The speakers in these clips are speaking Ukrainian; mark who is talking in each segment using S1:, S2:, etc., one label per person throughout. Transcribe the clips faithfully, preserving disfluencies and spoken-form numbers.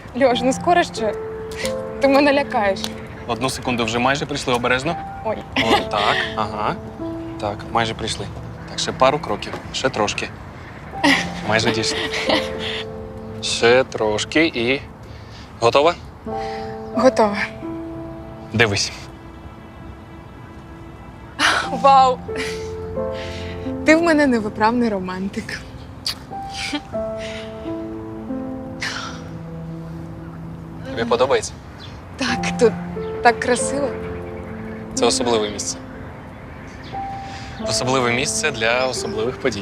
S1: Льош, ну скоро ще. Ти мене лякаєш.
S2: Одну секунду, вже майже прийшли, обережно.
S1: Ой.
S2: О, так, ага. Так, майже прийшли. Так, ще пару кроків, ще трошки. Майже дійшли. Ще трошки і. Готова?
S1: Готова.
S2: Дивись.
S1: Вау! Ти в мене невиправний романтик.
S2: Тобі подобається?
S1: Так, тут так красиво.
S2: Це особливе місце. Особливе місце для особливих подій.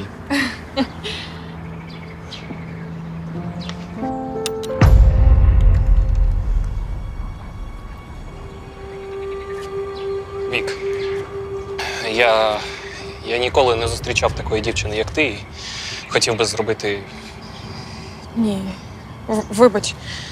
S2: Вік, я, я ніколи не зустрічав такої дівчини, як ти, і хотів би зробити.
S1: Ні. В- Вибач.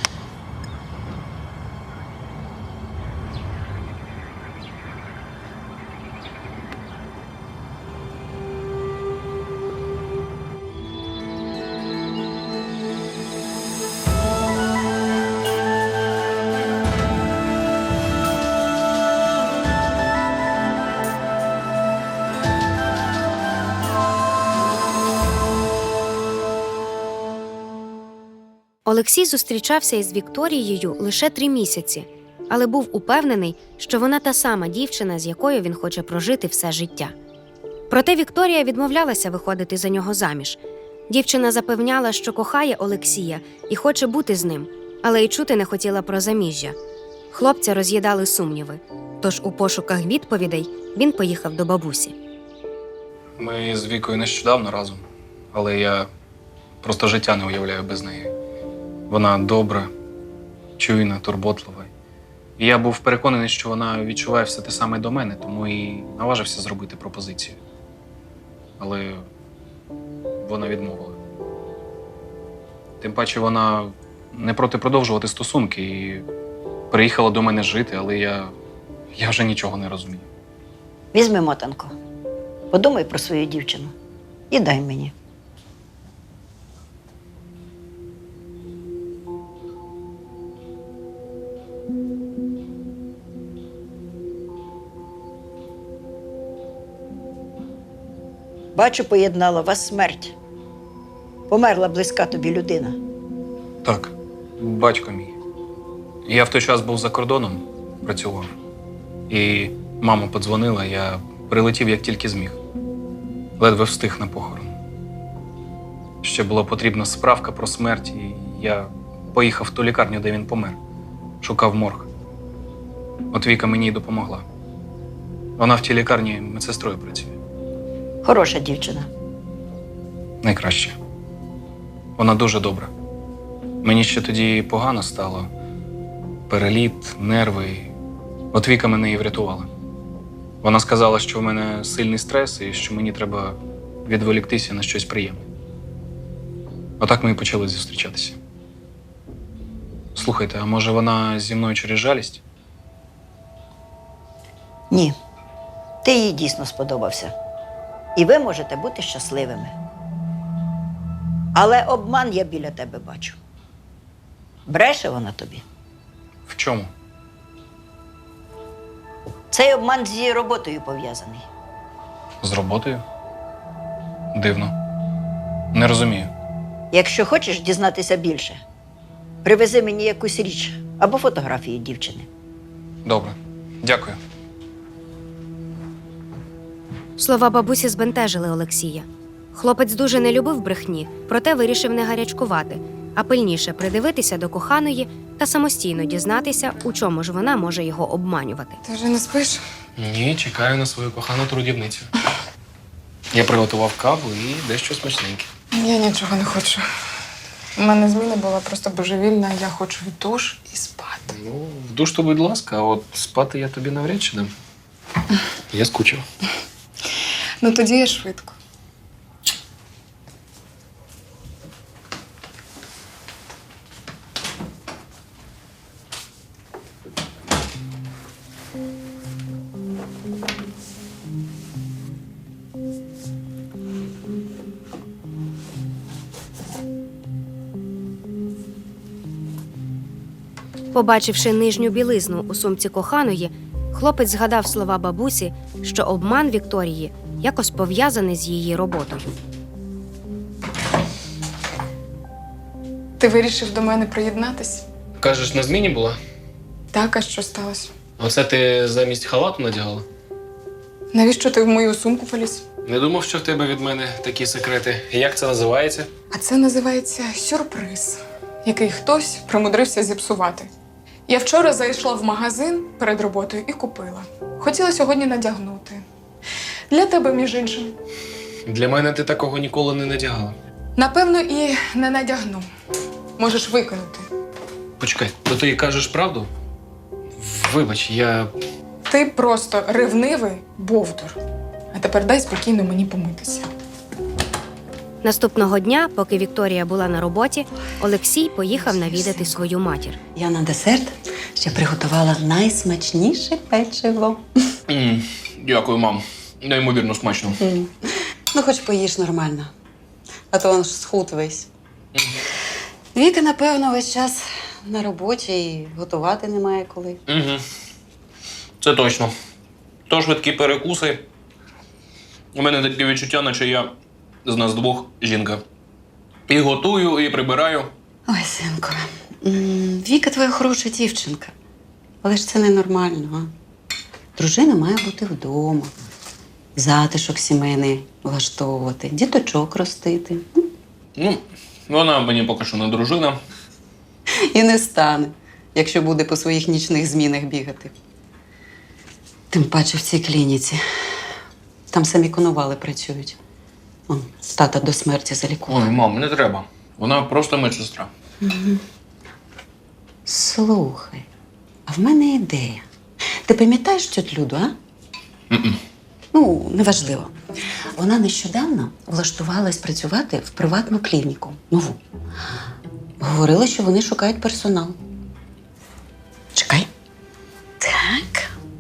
S3: Олексій зустрічався із Вікторією лише три місяці, але був упевнений, що вона та сама дівчина, з якою він хоче прожити все життя. Проте Вікторія відмовлялася виходити за нього заміж. Дівчина запевняла, що кохає Олексія і хоче бути з ним, але й чути не хотіла про заміжжя. Хлопця роз'їдали сумніви, тож у пошуках відповідей він поїхав до бабусі.
S2: Ми з Вікою нещодавно разом, але я просто життя не уявляю без неї. Вона добра, чуйна, турботлива. І я був переконаний, що вона відчуває все те саме до мене, тому і наважився зробити пропозицію. Але вона відмовила. Тим паче вона не проти продовжувати стосунки і приїхала до мене жити, але я, я вже нічого не розумію.
S4: Візьми мотанку, подумай про свою дівчину і дай мені. Бачу, поєднала вас смерть. Померла близька тобі людина.
S2: Так, батько мій. Я в той час був за кордоном, працював. І мама подзвонила, я прилетів як тільки зміг. Ледве встиг на похорон. Ще була потрібна справка про смерть, і я поїхав в ту лікарню, де він помер. Шукав морг. От Віка мені й допомогла. Вона в тій лікарні медсестрою працює.
S4: Хороша дівчина.
S2: Найкраще. Вона дуже добра. Мені ще тоді погано стало. Переліт, нерви. От Віка мене і врятувала. Вона сказала, що в мене сильний стрес і що мені треба відволіктися на щось приємне. Отак ми і почали зустрічатися. Слухайте, а може вона зі мною через жалість?
S4: Ні, ти їй дійсно сподобався. І ви можете бути щасливими. Але обман я біля тебе бачу. Бреше вона тобі.
S2: В чому?
S4: Цей обман з її роботою пов'язаний.
S2: З роботою? Дивно. Не розумію.
S4: Якщо хочеш дізнатися більше, привези мені якусь річ або фотографію дівчини.
S2: Добре. Дякую.
S3: Слова бабусі збентежили Олексія. Хлопець дуже не любив брехні, проте вирішив не гарячкувати, а пильніше придивитися до коханої та самостійно дізнатися, у чому ж вона може його обманювати.
S1: Ти вже не спиш?
S2: Ні, чекаю на свою кохану трудівницю. Я приготував каву і дещо смачненьке.
S1: Я нічого не хочу. У мене зміна була просто божевільна, я хочу в душ і спати.
S2: Ну, в душ то, будь ласка, а от спати я тобі навряд чи дам. Я скучив.
S1: Ну тоді я швидко.
S3: Побачивши нижню білизну у сумці коханої, хлопець згадав слова бабусі, що обман Вікторії якось пов'язаний з її роботою.
S1: Ти вирішив до мене приєднатись?
S2: Кажеш, на зміні була?
S1: Так, а що сталося?
S2: Оце ти замість халату надягала?
S1: Навіщо ти в мою сумку поліз?
S2: Не думав, що в тебе від мене такі секрети. Як це називається?
S1: А це називається сюрприз, який хтось примудрився зіпсувати. Я вчора зайшла в магазин перед роботою і купила. Хотіла сьогодні надягнути. Для тебе, між іншим.
S2: Для мене ти такого ніколи не надягала.
S1: Напевно, і не надягну. Можеш викинути.
S2: Почекай, то ти кажеш правду? Вибач, я.
S1: Ти просто ревнивий бовдур. А тепер дай спокійно мені помитися.
S3: Наступного дня, поки Вікторія була на роботі, Олексій поїхав навідати свою матір.
S5: Я на десерт ще приготувала найсмачніше печиво.
S2: М, Дякую, мам. Неймовірно смачно.
S5: М. Ну, хоч поїж нормально, а то він ж схуд весь. Віка, напевно, весь час на роботі і готувати немає коли.
S2: Угу. Це точно. То швидкі перекуси. У мене таке відчуття, наче я з нас двох жінка. І готую, і прибираю.
S5: Ой, синку, м, Віка твоя хороша дівчинка. Але ж це ненормально, а? Дружина має бути вдома, затишок сімейний влаштовувати, діточок ростити.
S2: Ну, вона мені поки що не дружина.
S5: І не стане, якщо буде по своїх нічних змінах бігати. Тим паче в цій клініці. Там самі конували працюють. Он, тата до смерті залікував.
S2: Ой, мам, не треба. Вона просто медсестра.
S5: Слухай, а в мене ідея. Ти пам'ятаєш тьотю Люду, а?
S2: Мгм.
S5: Ну, неважливо. Вона нещодавно влаштувалась працювати в приватну клініку. Нову. Говорила, що вони шукають персонал. Чекай. Так.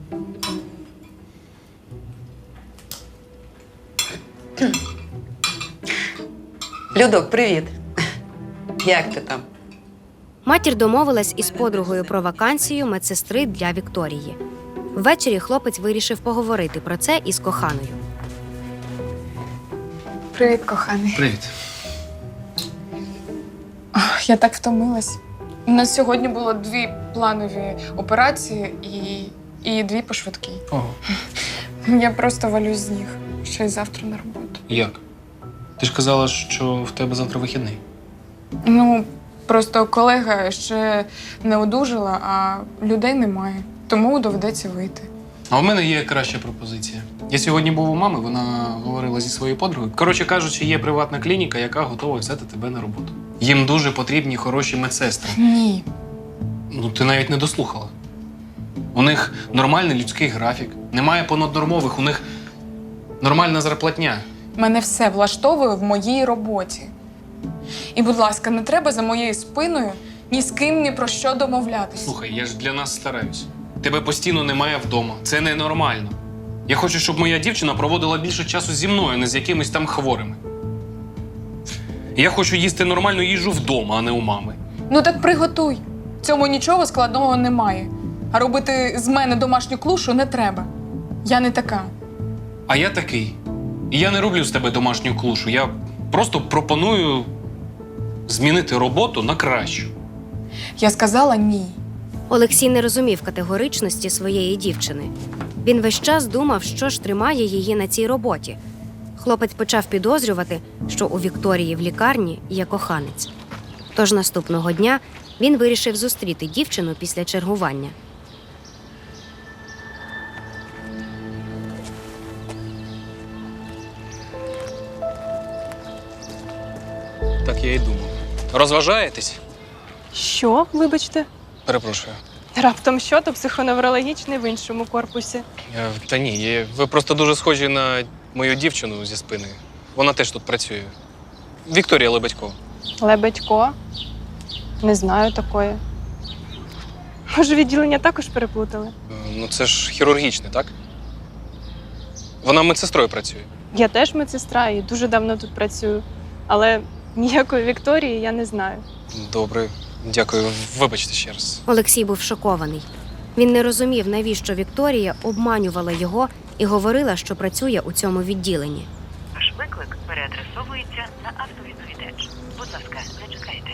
S5: Людок, привіт. Як ти там?
S3: Матір домовилась із подругою про вакансію медсестри для Вікторії. Ввечері хлопець вирішив поговорити про це із коханою.
S1: Привіт, коханий.
S2: Привіт.
S1: Ох, я так втомилась. У нас сьогодні було дві планові операції і, і дві по швидкій.
S2: Ого.
S1: Я просто валюсь з ніг. Ще й завтра на роботу.
S2: Як? Ти ж казала, що в тебе завтра вихідний.
S1: Ну, просто колега ще не одужала, а людей немає. Тому доведеться вийти.
S2: А в мене є краща пропозиція. Я сьогодні був у мами, вона говорила зі своєю подругою. Коротше кажучи, є приватна клініка, яка готова взяти тебе на роботу. Їм дуже потрібні хороші медсестри.
S1: Ні.
S2: Ну, ти навіть не дослухала. У них нормальний людський графік, немає понаднормових, у них нормальна зарплатня.
S1: Мене все влаштовує в моїй роботі. І, будь ласка, не треба за моєю спиною ні з ким ні про що домовлятися.
S2: Слухай, я ж для нас стараюсь. Тебе постійно немає вдома. Це ненормально. Я хочу, щоб моя дівчина проводила більше часу зі мною, а не з якимись там хворими. Я хочу їсти нормальну їжу вдома, а не у мами.
S1: Ну так приготуй. В цьому нічого складного немає. А робити з мене домашню клушу не треба. Я не така.
S2: А я такий. І я не роблю з тебе домашню клушу. Я просто пропоную змінити роботу на кращу.
S1: Я сказала ні.
S3: Олексій не розумів категоричності своєї дівчини. Він весь час думав, що ж тримає її на цій роботі. Хлопець почав підозрювати, що у Вікторії в лікарні є коханець. Тож наступного дня він вирішив зустріти дівчину після чергування.
S2: Так я і думав. Розважаєтесь?
S6: Що, вибачте?
S2: Перепрошую.
S6: Раптом що, то психоневрологічний в іншому корпусі.
S2: Е, Та ні, є- ви просто дуже схожі на мою дівчину зі спини. Вона теж тут працює. Вікторія Лебедько.
S6: Лебедько? Не знаю такої. Може, відділення також переплутали?
S2: Е, Ну це ж хірургічне, так? Вона медсестрою працює.
S6: Я теж медсестра і дуже давно тут працюю. Але ніякої Вікторії я не знаю.
S2: Добре. Дякую, вибачте ще раз.
S3: Олексій був шокований. Він не розумів, навіщо Вікторія обманювала його і говорила, що працює у цьому відділенні.
S7: Ваш виклик переадресовується на автовідповідач. Будь ласка, не чекайте.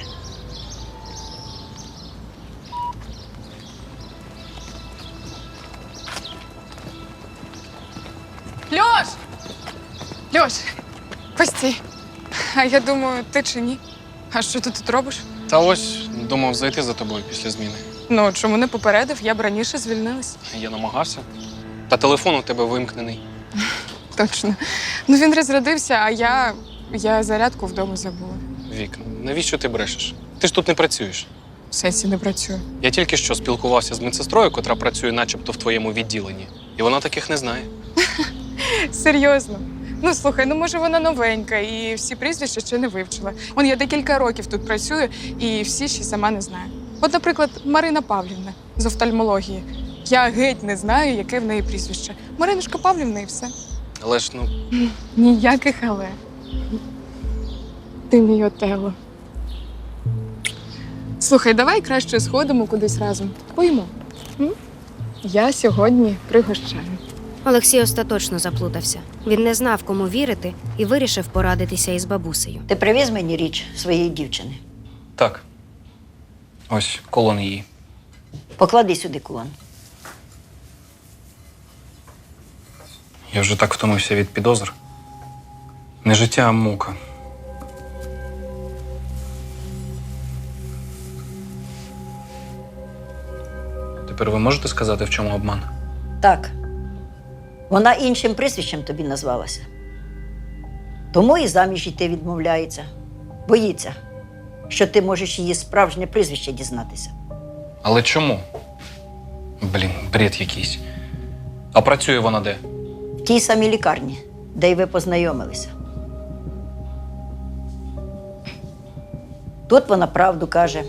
S1: Льош! Льош! Постій. А я думаю, ти чи ні? А що ти тут робиш?
S2: Та ось думав зайти за тобою після зміни.
S1: Ну, чому не попередив? Я б раніше звільнилась.
S2: Я намагався. Та телефон у тебе вимкнений.
S1: Точно. Ну він розрядився, а я. я зарядку вдома забула.
S2: Вік, навіщо ти брешеш? Ти ж тут не працюєш.
S1: В сенсі не працюю.
S2: Я тільки що спілкувався з медсестрою, котра працює начебто в твоєму відділенні. І вона таких не знає.
S1: Серйозно. Ну слухай, ну може вона новенька і всі прізвища ще не вивчила. Вон я декілька років тут працюю і всі ще сама не знаю. От, наприклад, Марина Павлівна з офтальмології. Я геть не знаю, яке в неї прізвище. Маринушка Павлівна і все.
S2: Але ж, ну,
S1: Ніяких але. Ти мій Отелло. Слухай, давай краще сходимо кудись разом. Поїмо. М? Я сьогодні пригощаю.
S3: Олексій остаточно заплутався. Він не знав, кому вірити, і вирішив порадитися із бабусею.
S4: Ти привіз мені річ своєї дівчини.
S2: так. Ось колон її.
S4: Поклади сюди кулон.
S2: Я вже так втомився від підозр. Не життя, а мука. Тепер ви можете сказати, в чому обман?
S4: Так. Вона іншим прізвищем тобі назвалася. Тому і заміж йти відмовляється. Боїться, що ти можеш її справжнє прізвище дізнатися.
S2: Але чому? Блін, бред якийсь. А працює вона де?
S4: В тій самій лікарні, де й ви познайомилися. Тут вона правду каже.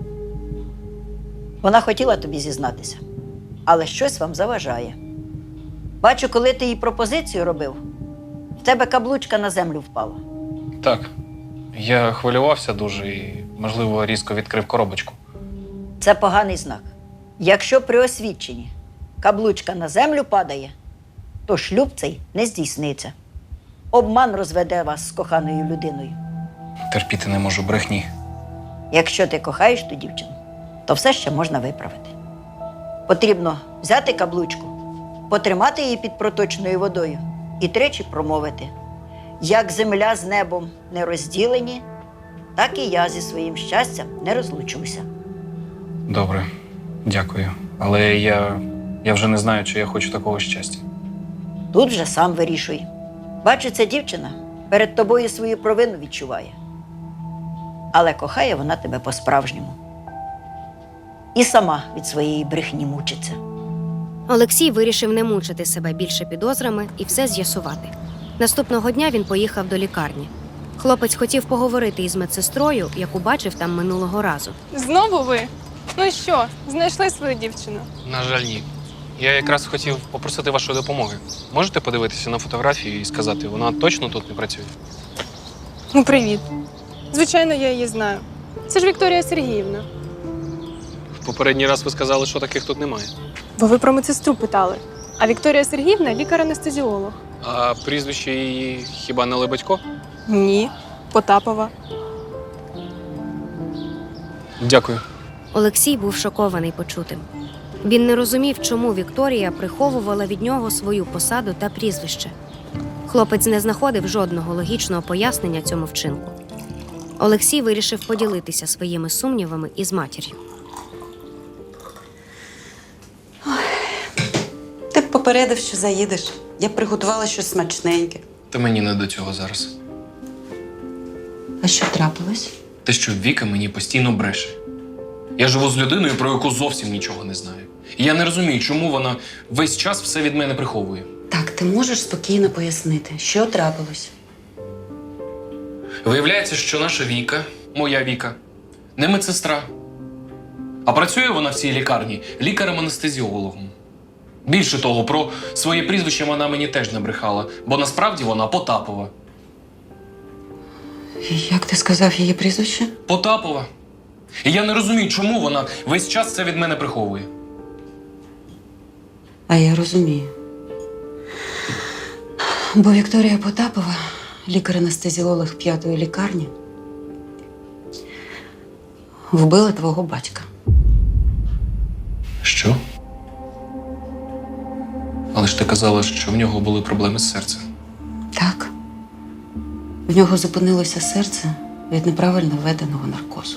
S4: Вона хотіла тобі зізнатися, але щось вам заважає. Бачу, коли ти їй пропозицію робив, в тебе каблучка на землю впала.
S2: Так. Я хвилювався дуже і, можливо, різко відкрив коробочку.
S4: Це поганий знак. Якщо при освідченні каблучка на землю падає, то шлюб цей не здійсниться. Обман розведе вас з коханою людиною.
S2: Терпіти не можу брехні.
S4: Якщо ти кохаєш ту дівчину, то все ще можна виправити. Потрібно взяти каблучку, потримати її під проточною водою і тричі промовити: як земля з небом не розділені, так і я зі своїм щастям не розлучуся.
S2: Добре, дякую. Але я, я вже не знаю, чи я хочу такого щастя.
S4: Тут вже сам вирішуй. Бачу, ця дівчина перед тобою свою провину відчуває. Але кохає вона тебе по-справжньому. І сама від своєї брехні мучиться.
S3: Олексій вирішив не мучити себе більше підозрами і все з'ясувати. Наступного дня він поїхав до лікарні. Хлопець хотів поговорити із медсестрою, яку бачив там минулого разу.
S6: Знову ви? Ну що, знайшли свою дівчину?
S2: На жаль, ні. Я якраз хотів попросити вашої допомоги. Можете подивитися на фотографію і сказати, вона точно тут не працює?
S6: Ну, привіт. Звичайно, я її знаю. Це ж Вікторія Сергіївна.
S2: В попередній раз ви сказали, що таких тут немає.
S6: Бо ви про медсестру питали. А Вікторія Сергіївна – лікар-анестезіолог.
S2: А прізвище її хіба не Лебедько?
S6: Ні, Потапова.
S2: Дякую.
S3: Олексій був шокований почутим. Він не розумів, чому Вікторія приховувала від нього свою посаду та прізвище. Хлопець не знаходив жодного логічного пояснення цьому вчинку. Олексій вирішив поділитися своїми сумнівами із матір'ю.
S5: Ти б попередив, що заїдеш. Я б приготувала щось смачненьке.
S2: Та мені не до цього зараз.
S5: А що трапилось?
S2: Те, що Віка мені постійно бреше. Я живу з людиною, про яку зовсім нічого не знаю. І я не розумію, чому вона весь час все від мене приховує.
S5: Так, ти можеш спокійно пояснити, що трапилось?
S2: Виявляється, що наша Віка, моя Віка, не медсестра. А працює вона в цій лікарні лікарем-анестезіологом. Більше того, про своє прізвище вона мені теж не брехала, бо насправді вона Потапова.
S5: Як ти сказав її прізвище?
S2: Потапова. І я не розумію, чому вона весь час це від мене приховує.
S5: А я розумію. Бо Вікторія Потапова, лікар-анестезіолог п'ятої лікарні, вбила твого батька.
S2: Що? Але ж ти казала, що в нього були проблеми з серцем.
S5: Так. В нього зупинилося серце від неправильно введеного наркозу.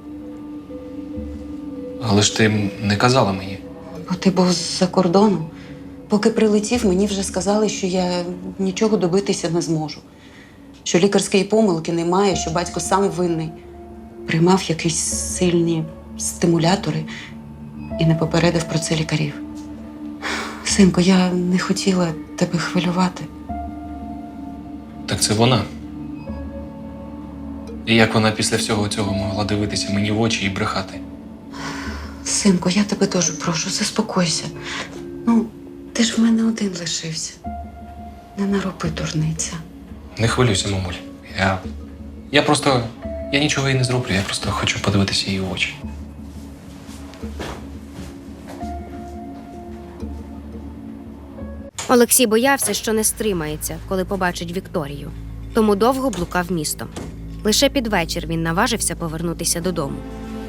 S2: Але ж ти не казала мені.
S5: Бо ти був з-за кордону. Поки прилетів, мені вже сказали, що я нічого добитися не зможу. Що лікарської помилки немає, що батько сам винний. Приймав якісь сильні стимулятори і не попередив про це лікарів. Синко, я не хотіла тебе хвилювати.
S2: Так це вона. І як вона після всього цього могла дивитися мені в очі і брехати?
S5: Синко, я тебе дуже прошу, заспокойся. Ну, ти ж в мене один лишився. Не нароби, дурниця.
S2: Не хвилюйся, мамуль. Я. Я просто. Я нічого їй не зроблю, я просто хочу подивитися їй в очі.
S3: Олексій боявся, що не стримається, коли побачить Вікторію, тому довго блукав містом. Лише під вечір він наважився повернутися додому.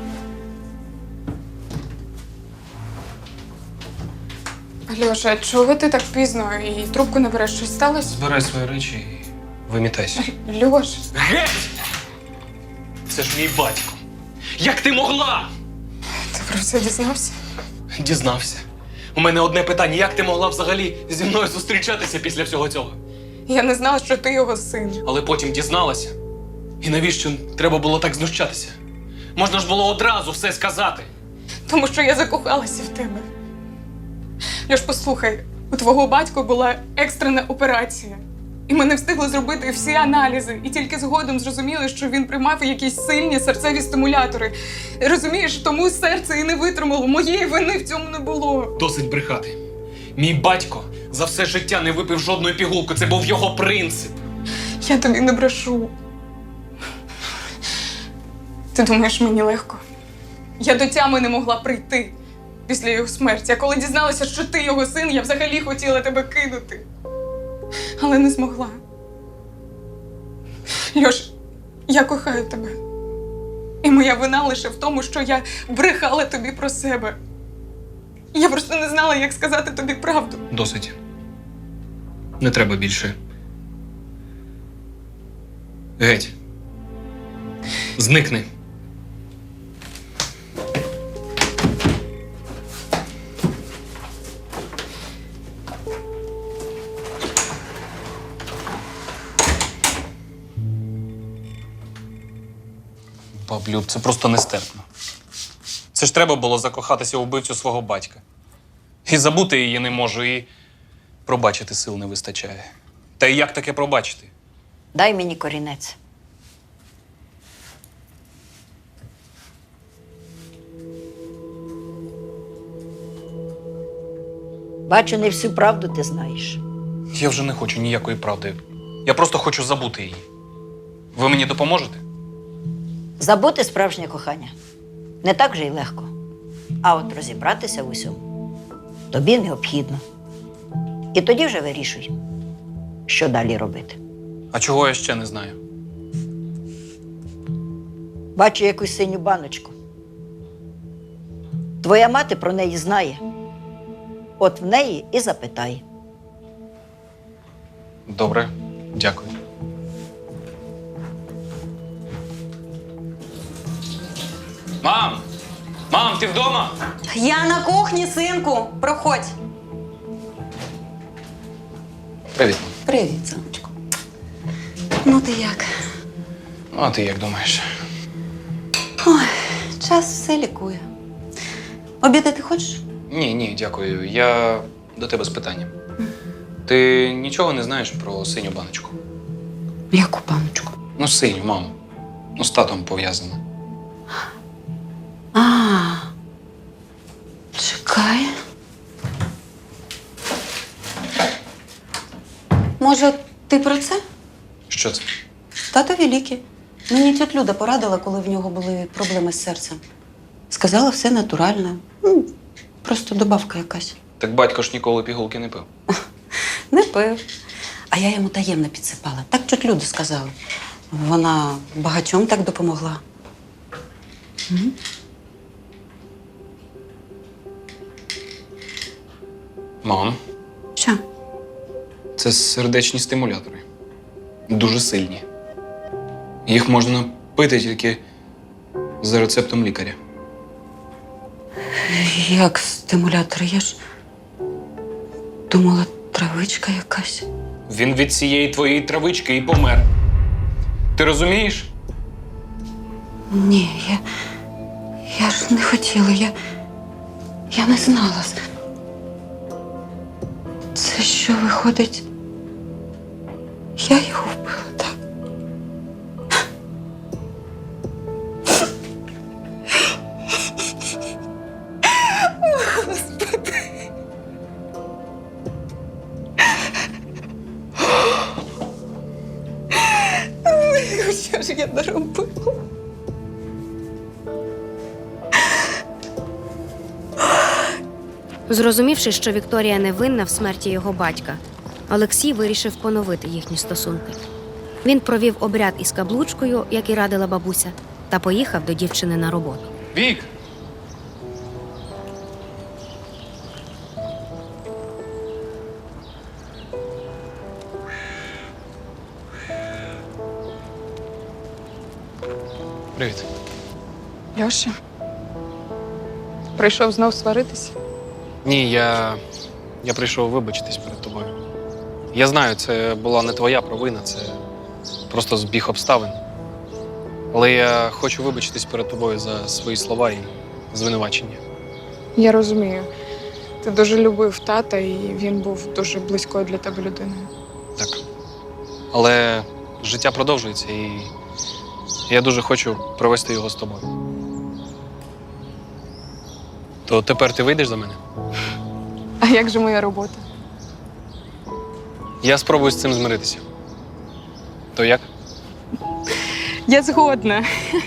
S1: Льоша, чого ти так пізно і трубку не береш? Щось сталося?
S2: Збирай свої речі і вимітайся.
S1: Льош,
S2: Геть! Це ж мій батько. Як ти могла?
S1: ти про це дізнався?
S2: Дізнався. У мене одне питання: як ти могла взагалі зі мною зустрічатися після всього цього?
S1: Я не знала, що ти його син.
S2: Але потім дізналася. І навіщо треба було так знущатися? Можна ж було одразу все сказати.
S1: Тому що я закохалася в тебе. Льош, послухай, у твого батька була екстрена операція. І ми не встигли зробити всі аналізи. І тільки згодом зрозуміли, що він приймав якісь сильні серцеві стимулятори. Розумієш, тому серце і не витримало. Моєї вини в цьому не було.
S2: Досить брехати. Мій батько за все життя не випив жодної пігулки. Це був його принцип.
S1: Я тобі не брешу. Ти думаєш, мені легко? Я до тями не могла прийти після його смерті. А коли дізналася, що ти його син, я взагалі хотіла тебе кинути. Але не змогла. Льош, я кохаю тебе. І моя вина лише в тому, що я брехала тобі про себе. Я просто не знала, як сказати тобі правду.
S2: Досить. Не треба більше. Геть. Зникни. Баблюб, це просто нестерпно. Це ж треба було закохатися у вбивцю свого батька. І забути її не можу, і пробачити сил не вистачає. Та й як таке пробачити?
S4: Дай мені корінець. Бачу, не всю правду ти знаєш.
S2: Я вже не хочу ніякої правди. Я просто хочу забути її. Ви мені допоможете?
S4: Забути справжнє кохання не так же й легко. А от розібратися в усьому тобі необхідно. І тоді вже вирішуй, що далі робити.
S2: А чого я ще не знаю?
S4: Бачу якусь синю баночку. Твоя мати про неї знає. От в неї і запитай.
S2: Добре, дякую. Мам! Мам, ти вдома?
S5: Я на кухні, синку. Проходь.
S2: Привіт.
S5: Привіт, сонечко. Ну ти як?
S2: Ну, а ти як думаєш?
S5: Ой, час все лікує. Обідати хочеш?
S2: Ні, ні, дякую. Я до тебе з питанням. Ти нічого не знаєш про синю баночку?
S5: Яку паночку?
S2: Ну, синю, маму. Ну, з татом пов'язана.
S5: А, чекай. Може, ти про це?
S2: Що це?
S5: Татові ліки. Мені тьотя Люда порадила, коли в нього були проблеми з серцем. Сказала, все натурально. Ну, просто добавка якась.
S2: Так батько ж ніколи пігулки не пив.
S5: Не пив. А я йому таємно підсипала. Так тьотя Люда сказала. Вона багатьом так допомогла.
S2: Мам,
S5: Що?
S2: це сердечні стимулятори. Дуже сильні. Їх можна пити тільки за рецептом лікаря.
S5: Як стимулятор? Я ж думала, травичка якась.
S2: Він від цієї твоєї травички і помер. Ти розумієш?
S5: Ні, я. Я ж не хотіла, я. Я не знала. Це що виходить? Я його вбила, так?
S1: Що ж я наробила?
S3: Зрозумівши, що Вікторія не винна в смерті його батька, Олексій вирішив поновити їхні стосунки. Він провів обряд із каблучкою, як і радила бабуся, та поїхав до дівчини на роботу.
S2: Вік! Привіт.
S1: Льоша, прийшов знов сваритися?
S2: Ні, я. Я прийшов вибачитись перед тобою. Я знаю, це була не твоя провина, це просто збіг обставин. Але я хочу вибачитись перед тобою за свої слова і звинувачення.
S1: Я розумію. Ти дуже любив тата, і він був дуже близькою для тебе людиною.
S2: Так. Але життя продовжується, і я дуже хочу провести його з тобою. То тепер ти вийдеш за мене?
S1: А як же моя робота?
S2: Я спробую з цим змиритися. То як?
S1: Я згодна.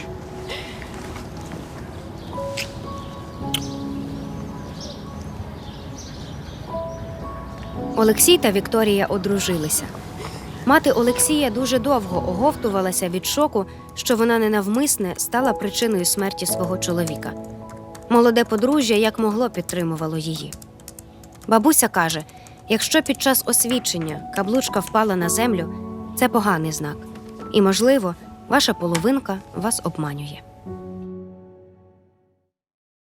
S3: Олексій та Вікторія одружилися. Мати Олексія дуже довго оговтувалася від шоку, що вона ненавмисне стала причиною смерті свого чоловіка. Молоде подружжя як могло підтримувало її. Бабуся каже, якщо під час освідчення каблучка впала на землю, це поганий знак. І, можливо, ваша половинка вас обманює.